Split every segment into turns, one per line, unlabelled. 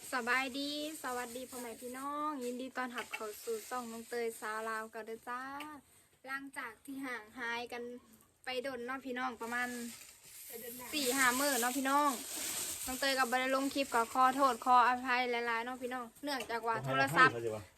สบายดีสวัสดีพ่อแม่พี่น้องยินดีต้อนรับเข้าสู่ช่องน้องเตยสาวลาวกันเด้อจ้าหลังจากที่ห่างหายกันไปโดนเนาะพี่น้องประมาณ4-5 มื้อเนาะพี่น้องน้องเตยกับบได้ลงคลิปก็ขอโทษขออภัยหลายๆเนาะพี่น้องเนื่องจากว่าโทรศัพท์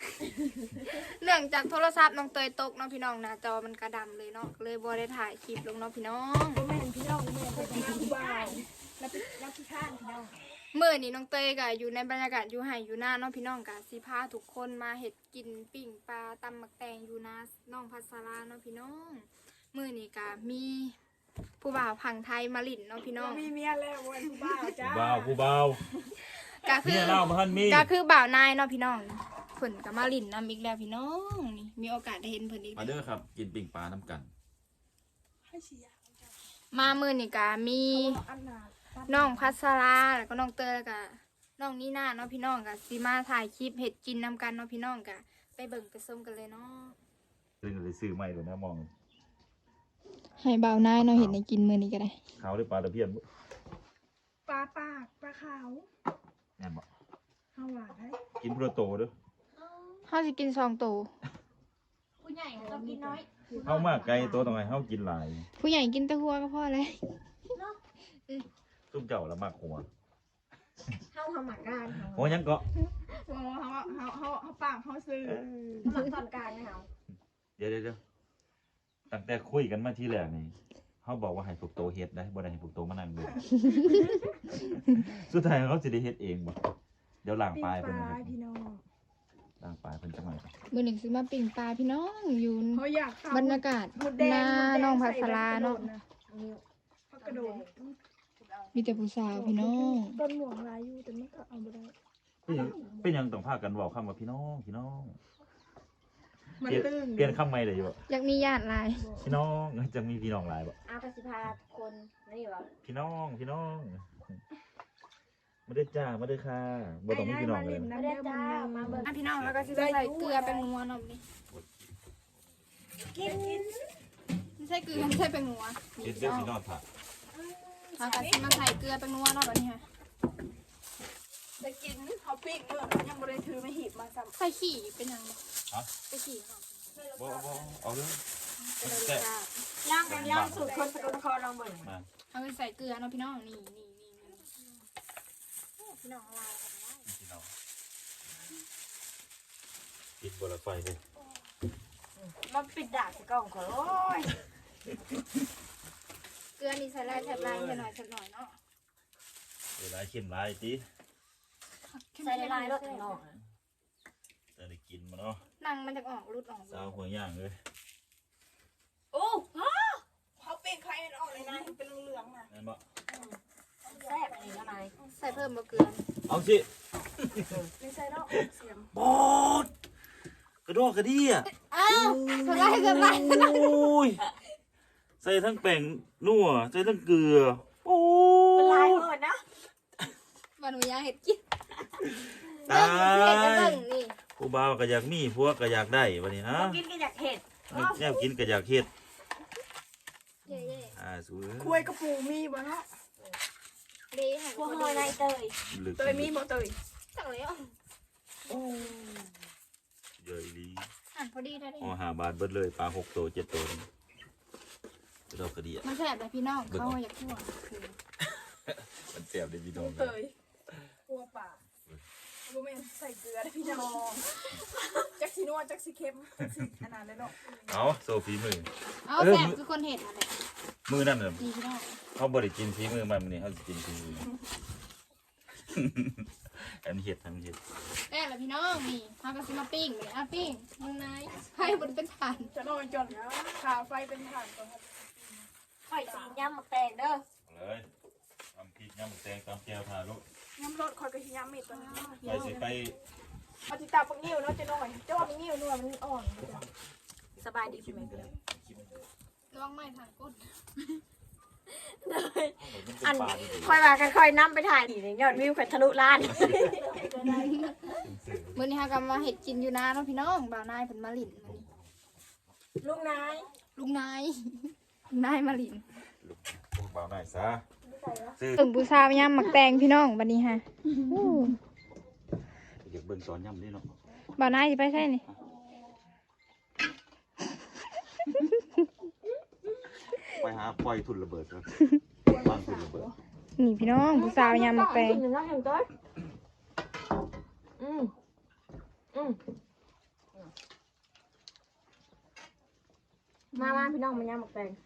น้องเตยตกเนาะพี่น้องหน้าจอมันกระดำเลยเนาะเลยบ่ได้ถ่ายคลิปลงเนาะพี่น้อง
แม่พี่น้องแม่เป็นผู้บ่าวแล้วพี่ข้านพี่น้อง
เมื่อนี้น้องเตยก็อยู่ในบรรยากาศอยู่ไห่อยู่หน้าน้องพี่น้องกะสิพาทุกคนมาเห็ดกินปิ่งปลาตำหมักแตงอยู่นาน้องพัสราน้องพี่น้องมื่อนี้กะมีผู้บ่าวพังไทยมาลิ่นน้องพี่น้อง
มีเมียแล้ววันผู้บ่าวจ้า
ผู้บ่าว
กะคื
เมี
อย
เล่าพันมี
กะคือบ่าวนายน้องพี่น้องเพิ่นกะมาลิ่นนำอีกแล้วพี่น้องนี่มีโอกาสได้เห็นเพิ่นอีก
มาเด้อครับ กินปิ่งปลาน้ำกัน
ให้เชียร์
มามื่อนี้กะมี
อันนา
น้องพัสราแล้วก็น้องเตยแล้วก็น้องนี่นาเนาะพี่น้องกะสิมาถ่ายคลิปเห็ดกินนำกันเนาะพี่น้องกะไปเบิ่งไปชมกันเลยเนาะ
เรื่องอะไรซื้อไม่เลยนะมอง
ให้เบานายเนาะเห็นในกินมือนี้ก็ได้
เขาได้ปลาตะเพียนบ่
ปลาปากปลาขาว
แน่นบ่
ข้าวหวานให้
กินโปรโตเด้อ
เขาจะกิน2 ตัว
ผู้ใหญ่ต้องกินน้อย
เข้ามากไกลตัวตรงไหนเข้ากินหลาย
ผู้ใหญ่กินแตะหัวก็พอเลย
ซุ่มเจ้าละมากหัว
ข้าวหมักการ
หัวยังเกาะ
เขาปากเขาซื้อหมักตอนการนะเขา
เดี๋ยวตั้งแต่คุยกันมาที่แรกนี่เขาบอกว่าให้พวกโตเฮ็ดได้บ่ได้ให้พวกโตมานั่งดูสุดท้ายเขาสิได้เฮ็ดเองบ่เดี๋ยวล้างปลายเพิ่นนะครับ
พี่น้อง
ล้างปลายเพิ่นจะมา
มือหนึ่งซื้อมาปิ่งปลาพี่น้องอยู่
เขาอยาก
บรรยากาศหน้าน้องพัสราเนาะ
เขากระโดด
มีแต่ผู้สาวพี่น้อง
ต้นหมวกลายอยู่แต่ไม่ก็เอาไปได้
เป็นหยังต้องพากันเว้าคำว่าพี่น้องพี่น้อง
มัน
เปลี่ยน
ตึง
เปลี่ยนคำใหม่ได้อยู่บ่
อยากมีญาติหลาย
พี่น้องจะมีพี่น้องหลายบ่
อากสิพาคนนี่วะ
พี่น้องมาได้จ้ามาได้ค่ะบ่ต้องมีพี่น้องเลย
น้ำเด้อจ้ามาเบิ่ง
อ่ะพี่น้องแล้วก็สิใส่เกลือเป็นงัวเนาะนี่
กิน
ไม่ใช่เกลือไม่ใช่เป็นงัว
เฮ็ดเด้อพี่น้องค่ะ
แล้วก็สิมาใส่เกลือเป็นงัวเนาะแบบนี้ค่ะ
จะกินเขาปิ้งเมื่อยังบริถือไม่หีบมาซ้
ใส่ขี่เป็นยังไง
ฮะ
ใส่ขี่ค่ะ
บ่เอาเลย
เป็น
แซ่บ
ย่างกันย่างสูตรคนสกลนครลองเบิ่ง
มา
เอาไปใส่เกลือเนาะพี่น้องนี่พี่น้องลายกันได้
พี่น้องปิดบ่ละไฟเลย
มันปิดด่าสิกล้องขอโอ้ย
เกลือนี่ใส่ลายแถบลายแค่หน่อยเนาะ
เวลาเข้มหลายติ
ใส่ลายรถถึงนอก
จะได้กินมาเนาะ
นั่งมันจะออกรุดออก
สาวหัวย่างเลย
โอ้
ำเขาปิ้งใครมันออกเลยนะเป็นเหลืองๆนะ
แม่นบ่
แซ่บอันนี้แล้วนาย
ใส่เพิ่มเกลือ
เอาสิ
ไม่ใช่เนาะเสียง
บอดกระโดดกระเดี่ย
อ้าวสไลด์
โอ้ยใส่ทั้งแป้งนัวใส่ทั้งเกลือโอ้
เป็นลาย
ย
หมดนะ
มันหนูอยากเห็ดกิน
ตา
เห็ดจะ
ย
เบิ่งนี่
ผู้บ่าวก็อยากมีผัวก็อยากได้วันนี้ฮะ
กินก็อยากเห็ด
แนวกินก็อยากเฮ็ด
เย่
สู้
คุยกระปูมีบ่เนาะ
ๆดีให้
พวกหอยนายเตย
ลึก
เตยมีบ่เตย
จังเลยอ่ะ
เยอะดี
หั่นพอดีได้เลย
อ๋อ5 บาทเบิดเลยปลา6 ตัว 7 ตัวนี่กระโดดกระเดี่ย
มันแสบเลยพี่น้องเขาอยากทั่ว
มันแซ่บเด้พี่น้อง
เตยกลัวป่าบ่แม่นใส่เกลือได้พี่น้องจักสินัวจักสิเค็มจักสิอันนั้นเลยเนาะ
เอาโซฟีมือ
เอาแสบคือคนเห็ดอะไร
มือนั่นน่ะ
ดีพี่น้อง
เขาบ่ได้กินฝีมือมันมื้อนี้เขาสิกินฝีมือ อันเฮ็ดทำเฮ็ด
แม่ละพี่น้องนี่เขาก็สิมาปิ้งเลยอ่ะปิ้งมึงนายให้บนเป็นฐาน
จะนอนจนขาไฟเป็นถ่านก่อนครับ
หอยสีย่ำหมักแตงเด้อ
เอาเลยทำพริกยำแตงตำแก้วทาลูก
น้ำรสคอยกระชิยามมิดตัวนี้
ไปสิไป
เอาติตาปังงิ้วเนาะจะหน่อยเจ้าปังงิ้วนัวมันอ่อน
สบายดีคุณแม่เด้อ
ระวังไม่ทางก้น
อันค่อยมากันค่อยน้ำไปถ่ายนี่ยอดวิวขันทะลุล้าน
มื้อนี้ฮะก็มาเห็ดกินอยู่นะเนาะพี่น้องบ่าวนายเพิ่นมาหลินมื้อนี้
ลุงนาย
ลุงนายลุงนายมาหลิน
พวกบ่าวหน่อยซะซื้อ
ถึงบูชาย่ำหมักแตงพี่น้องบัดนี้ฮะ
นสอนย่ำนี่เนาะ
บ่าวนายสิไปใช่นี่
ไปหาปล่อยทุนระเบิดครับวางทุนระเบิด
นี่พี่น้องผู้สาวยามมาแปลง
หนึ่งน้องเห็นต้นอืมมาพี่น้องมายำหมกแตง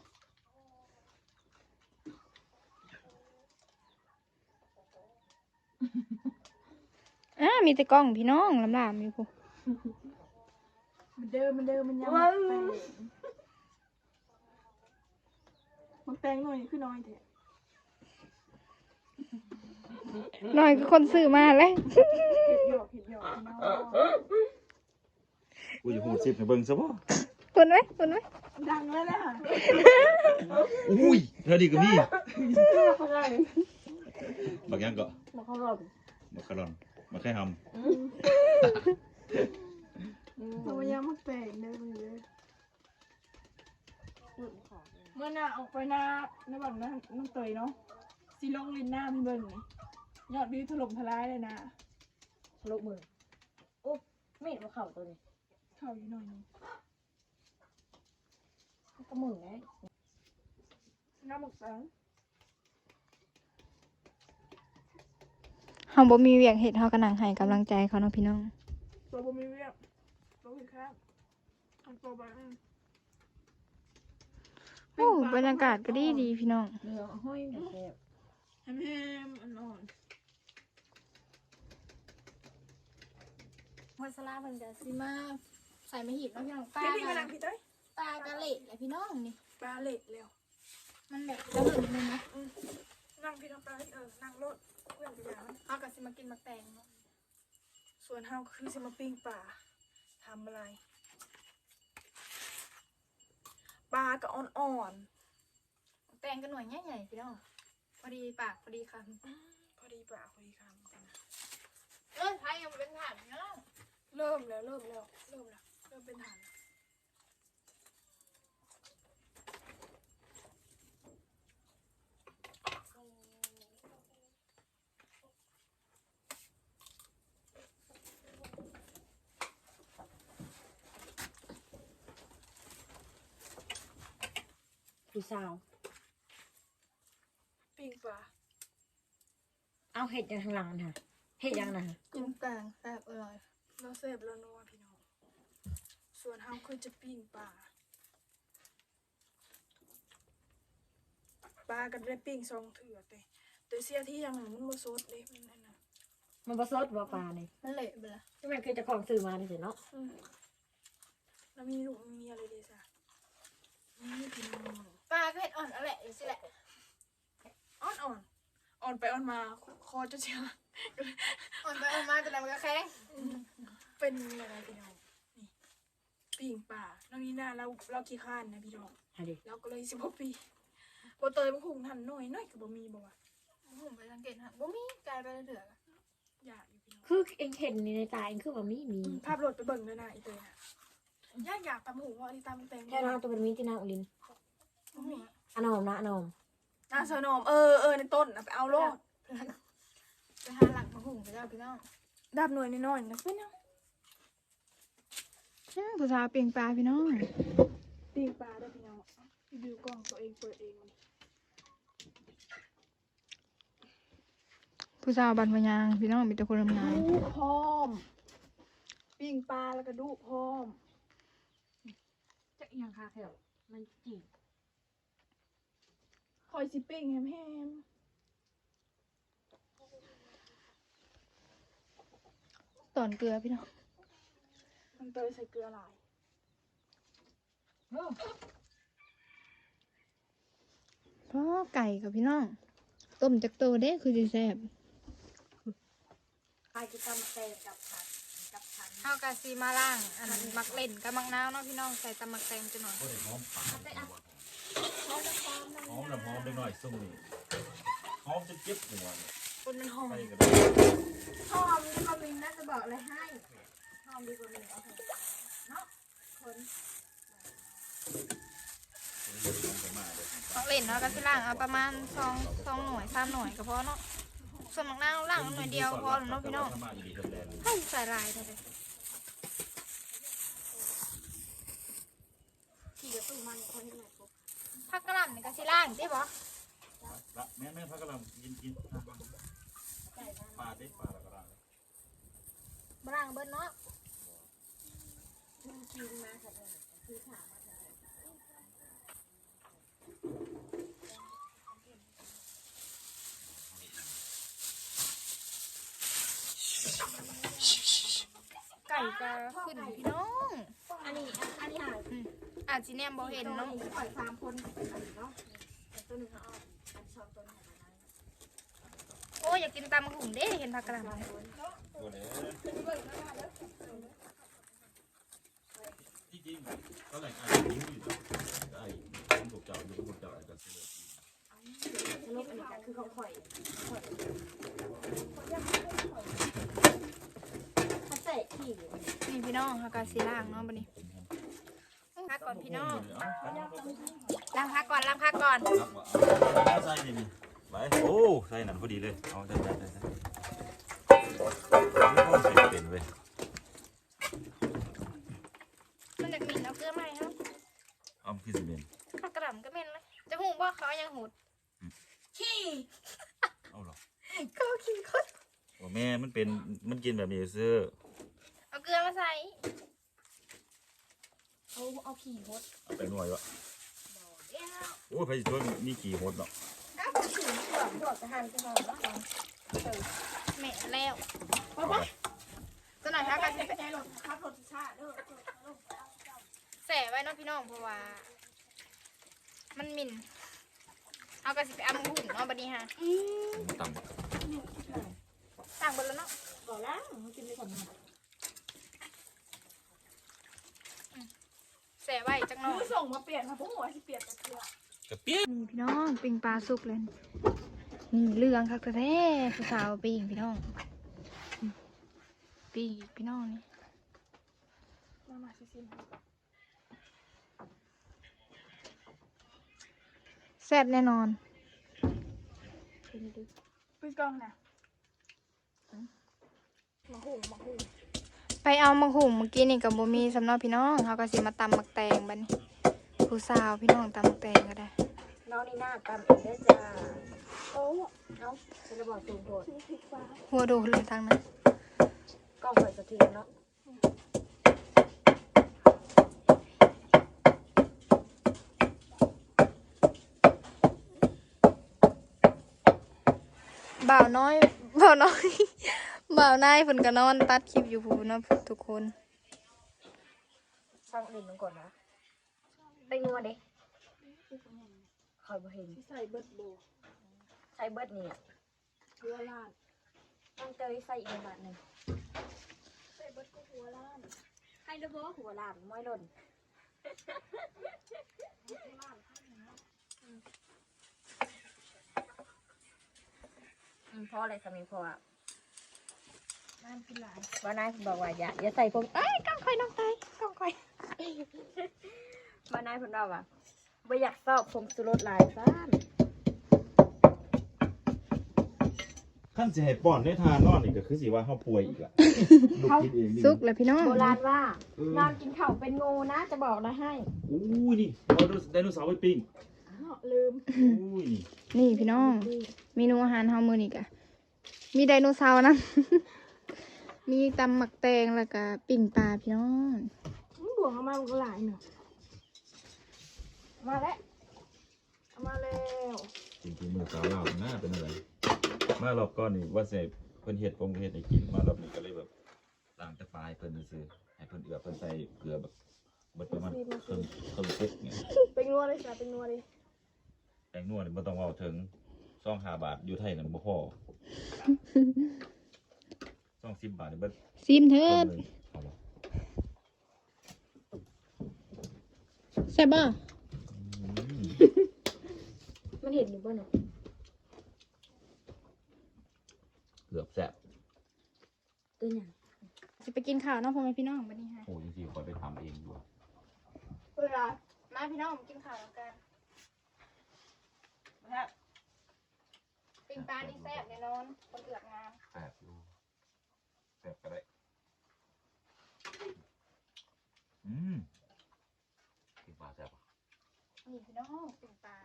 มีแต่กล้องพี่น้องลำลามอยู่พุ่น
มันเดิมมันยังมันแปลงหน่อยคือน้อยแท้
หน่อยคือคนซื้อมาแล้ว
เห็ดหยอกพี่น้อง
กูจะหูซิบในเบิ้งซะบ่
คุณไหม
ดังแล้วแหละ
อุ้ยเธอดีกับนี่
เขาได้
บักยังก็
บอกเขาหลบ
บักคารอนบักแค่ห
เรายังมาแปลงเด้อมึงเด้อเมื่อหน้าออกไปหน้าในบ้านน้องเตยเนาะสิลงลินหน้าพี่เบิ้งนี่ยอดวิวถล่มทลายเลยนะ
ลูกมือโอ้ไม่เห็นว่าเข่าตัวนี้
เข้าอยู่หน่อยนึง
ก็มือไง
น้ำหมกสัง
เฮาบ่มีเวียกเฮ็ดเฮาก็นั่งให้กำลังใจเขาเนาะพี่น้อง
ตัวบ่มีเวียบตัวผิดข้างอันตัวบ้าง
โอ้บรรยากาศก็ดีพี่น้อง
เรือห้อยแบบ
แฮมอ่อน
พอสลาเพิ่นจะสิมาใส่มาหีบเนาะพี่น้อง
ๆพี่มานั่งพี่เต้ย
ปลากะเละแหละพี่น้องนี่
ปลาเล็ดแล้ว
มันแบบจะหึงนึงนะ
นั่งพี่น้องเต้ยนั่งรถเพื่อนไปอย่างนั้น
เฮาก็สิมากินมักแตงเนาะ
ส่วนเฮาคือสิมาปิ้งปลาทำอะไรปลาก็อ่อน
มักแตงก็หน่วยใหญ่ๆพี่น้องพอดีปากพอดีคำ
พอดีปลาพอดีคำ
ไทยยังเป็นถาดพี่น้อง
เริ่มเป็นฐาน
พี่สาว
ปิ้งปลา
เอาเห็ดอย่างทางหลังนะเห็ดอย่างนะ
กินกลางแซ่บอร่อย
เราเสพแล้วนัวพี่น้องส่วนเฮาคือจะปิ้งปลาก็ได้ปิ้งซองเถื่อแต่เสียที่อย่างหนึ่งมันบ่สดเด้มันนั่นน่ะ
มันผสมว่าปลาเนี่ย
มันเละไปละ
ที่มันคือจะของซื้อมาเนี่ยเนาะ
แล้วมีลูกมีอะไรเดซ่ะนี่พี่น้อง
ปลาก็เห็ดอ่อนอะไรอย่างสิแหละ
อ่อนไปอ่อนมาคอจะเชียว
อ่อนไปอ่อนมาแต่ละมันก็แข็ง
เป็นอะไรพี่น้องนี่ปิ้งปลาน้องนี่น่าเราขี้ข้านนะพี่น้อง
อะไร
เราก็เลย16 ปีบ่เตยบ่คงทันน้อยก็บ่มีบ่วะ
ผมไปสังเกตฮะบ่มีกลายไปเถื่อก
อยากอยู่พี่น้อง
คือเองเห็นในตาเองคือว่ามี
ภาพโหลดไปเบิ่งเลยนะอีเตยนะอยากตำหูว่าอันนี้ตำแตง
แค่เราตัวเป็นมีที่นาอุลิน
บ่มี
อนอมนะอนอม
น่าสนอมในต้นนะไปเอาโลด
ไปหาหลักมาหุงไปแล้วพี่น้อง
ดับหน่วยน้อยๆนะเป็นยัง
ผู้สาวเปลียงปลาพี่น้อง
ปิ้งปลาได้พี่น้องรีวิวกล้องตัวเองเปิดเอง
ผู้สาวบันพยางพี่น้องมีแต่คนทำงาน
ดูพร้อมปิ้งปลาแล้วก็ดูพร้อม
จะยังคาแถวมันจีบ
คอยสิปิ้งแฮม
ตอนเกลือพี่น้อง
มันเตยใส่เกลือหลาย
เพราะไก่กับพี่น้องต้มจากโตเด้คือจะแซ่บ
ใครจะทำแตงกับผัดกับผัด
ข้าวกะซีมาล่างอันมักเล่นกับมักนาวเนาะพี่น้องใส่ตำมักแตงจะหน่อย
ำหอมปากหอมน้ำหอมเล็กน้อยซุ่มนี่หอมจะเจ็บหัวเนี่ย
คนมันหอม
ไปกันเลย
หอมดีกว่ามินน่าจะบอกอะไรให้หอมดีกว่ามินเอาเถอะเนาะคนมักเล่นเนาะกะซีล่างเอาประมาณ2 หน่วย3 หน่วยก็พอเนาะส่วนมักนาวล่างหน่อยเดียวพอแล้วเนาะพี่น้องให้ใส่ลายเท่าไหร่ผักกะหล่ำนี่ก็สิล่างติบ่
แม่พักกำลังกินปลาได้ปลาแล้วก็ได้
บ่ล่างเบิดเนาะไก่ก็ขึ้นพี่น้อง
อันนี้หา
อาจสิแนมบ่เห็นเนาะ
ปล่อย3คนเนาะตัวนึงเอาอัน2ตัวนี้
โอ้ยอยากกินตำหุ่งเด้เห็นผักกะหล่ำ
ตัวนี้ที่จริงก็แหล่งอาหารที่อยู่ไอ้ต้องถูกเจาะอยู่ต้องถูกเจาะไอ้กันเสือ
สรุปอันนี้ก็คือของข่อยถ้าใส่ขี้
นี่พี่น้องเขาก็สิล่างเนาะบัดนี้พักก่อนพี่น้องล้างพักก่อนล้างพักก่อน
เอาใส่นี่ไปโอ้ใส่หนังพอดีเลยเอาใส่เป็นเว้ย
มันอยากมินเอาเกลือมาให้เฮา
เอาขึ้นสิเป็น
ผักกะหล่ำก็แม่นเลยจะหูว่าเขายังหูด
ขี้
เอาหรอ
ก็ขี้คน
โอ้แม่มันเป็นมันกินแบบนี้ซื้อ
เอาเกลือมาใส่
เอาขี้หด
เอาไปหน่วยวะโอ้ยไปช่วยมีกี่หดเนาะ
ก็ขี้ดอกจะหั่นจะหอมเนาะ
แม่แล้วตัวไหนคะกัน
ใจหลดครับหลดชาเด้อ
แสไว้เนาะพี่น้องเพราะว่า มันมินเอากระสิไปเอามาหุ่นเนาะบัดนี้ฮะ
ต่ำ
ต่างเบิดแล้วเนาะ
ก่อนล้างกินไปก่อน
แสไว้จังหน่อย
ส่งมาเปลี่ยนค่ะพวกหัวที่เปลี่ยนแต่เกลือก
ระเปี๊ยก
นี่พี่น้องปิงปลาสุกเลยนี่เรื่องคักแท้ผู้สาวปิงพี่น้องปิงอีกพี่น้องนี่
มาซิม
แซ่บแน่นอน
พี่กล้องนะมาหุง
ไปเอามังหุ่งเมื่อกี้นี่กับบ่มีสำเนาพี่น้องเขาก็สิมาตำมักแตงบัดนี้ผู้สาวพี่น้องตำมักแตงก็ได้
น้องนี่หน้าตามอีกเด้อจ้า
โอ้
เอาฉันจะบอกสูงโดด
พริกฟ้า
หัวโดนเลยทางนั้น
กล้องข่อยสะเทือนเนาะ
บ่าวน้อย บ่าวน้อย บ่าวนายเพิ่นก็นอนตัดคลิปอยู่พู้นเนาะทุกคน
ช่างอื่นลงก่อนนะไปงัวเด้คอยบ่เห็น
ใส่เบิร์ดโบ
ใส่เบิดนี่
เกลือล้าน
ต้องเตยใส่อีกบาทหนึ่ง
ใส่เบิร์ดก็หัวล้าน
ให้ระเบ้อหัวลานม้อยหล่นเพราะอะไรสามีเพราะว่า
ล้านเป็นหลาย
ว่านายบอกว่าอย่าใส่ผมเอ้ยกล้องคอยน้องตายกล้องคอยว่านายเพิ่นบอกว่าบ่อยากสอบผมสุรสหลายซ่าน
ขั้นสิให้ป้อนได้ทานนอนอีกก็คือสิว่าเฮาป่วยอีกอ่ะลูกคิดเองนี่
สุกแล้วพี่น้อง
โบราณว่านอนกินข้าวเป็นงูนะจะบอกนะให้
อู้ยนี่เอาไดโนเสาร์ไปปิ้ง
ลืม
อู้ย
นี่พี่น้องเมนูอาหารเฮามื้อนี้ก็มีไดโนเสาร์นะ มีตำหมักแตงแล้วก็ปิ่งปลาพี่น้อง
บวกเข้ามามันก็หลายเนาะมาแล้วมาแล้ว
จริงๆมือสาวเราหน้าเป็นอะไรมารอบก่อนนี่ว่าสิเพิ่นเฮ็ดให้กินมารอบนี้ก็เลยแบบล้างแต่ปลายเพิ่นซื่อๆให้เพิ่นเอือเพิ่นใส่เกลือแบบเบิดประมาณครึ่งเซ็ตเนี่ย
เป็นนัวเลยจ้ะเป็นนัวเลย
แตงนัวนี่บ่ต้องเว้าถึง2-5 บาทอยู่ไทยนั่นบ่พอ20 บาทนี่เบิด
ซิมเถิ
คน
ด
หนึงเอาบ่
แซ่บบ่
มันเห็นอยู่บ่เนาะ
เกือบแซ่บ
ตัวอย่าง
สิไปกินข้าวเนาะพ่อแม่พี่น้องบัดนี้ฮะ
โอ้จริงๆขอไปทำเองด้วย
เวลา
มาพี่น้องมากินข้าวแล้วกัน
ครับ
ไปปิ้งปลานี่แซ่บแน่นอนคนเอือกงาม
แซ่บอยู่แซ่บก็ได้กินปลาแซ่บอ่ะ
นี่พี่น้องปิ้งปลา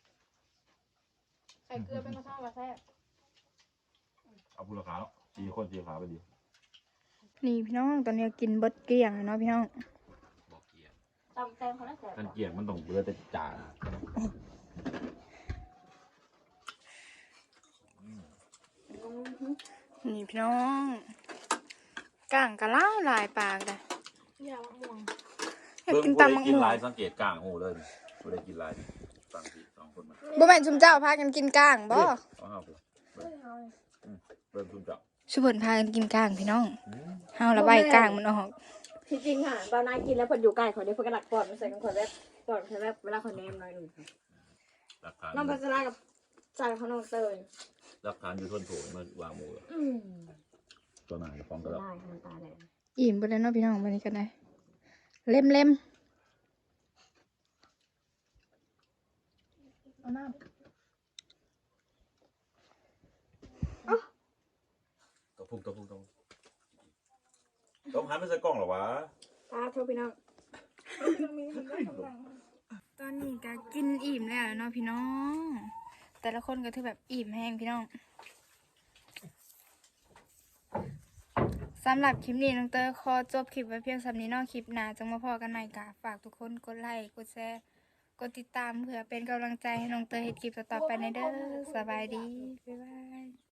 ใส่เกลือเป็นกระเท่ามาแซ่บ
เอาพูราคาเนาะจีขาไปดี
นี่พี่น้องตอนนี้กินเบิดเกลี้ยงเลยเนาะพี่น้อง
บอกเกียร์
ตำแตงเขาน่าแสบ
กันเกียร์มันต้องเบื่อแต่จาน
นี่พี่น้องก้างกะล่าหลายปากเลย
ยามะม่วง
อยากกินตำมัง
กิน
ม่ว
ลาง ยสังเกตกลางหูเลยไม่ได้กินลายฟังพี่สองคนมา
บ่แม่นชุมเจ้าพากันกินก้างบ่
เอาห้าผมเริ่มซุ่มจับ
ชุบเพิ่นพากันกินก้างพี่น้องเฮาละใบก้างมันออก
ที่จริงค่ะตอนนายกินแล้วเพิ่นอยู่ใกล้ขอเดี๋ยวเพิ่นก็หลักก่อนมาใส่กันขอแบบก่อนใส่แบบเวลาขอแนมหน่อยหนึง
หลักฐาน
น้องพัชรากับจานของน้องเตย
หลักฐานอยู่ทนโถมาวางหมู ตัวไหนฟ้องกันแล้ว
ได้น้ำตาแดง
อิ่มไปเลยเนาะพี่น้องวันนี้กันได้เล่มเอาน้ำ
ตัวพุ่งต้องหันไปใส่กล้องเหรอวะ
ตาเท่าพี่น้อง
ตอนนี้ก็กินอิ่มแล้วเนาะพี่น้อง แต่ละคนก็ถือแบบอิ่มแห้งพี่น้องสำหรับคลิปนี้น้องเตอร์ขอจบคลิปไว้เพียงสำนี้เนอกคลิปหน้าจังมาพอกันใหม่กะฝากทุกคนกดไลค์กดแชร์กดติดตามเพื่อเป็นกำลังใจให้น้องเตอร์เฮ็ดคลิปต่อๆไปในเด้อสบายดีบ๊ายบาย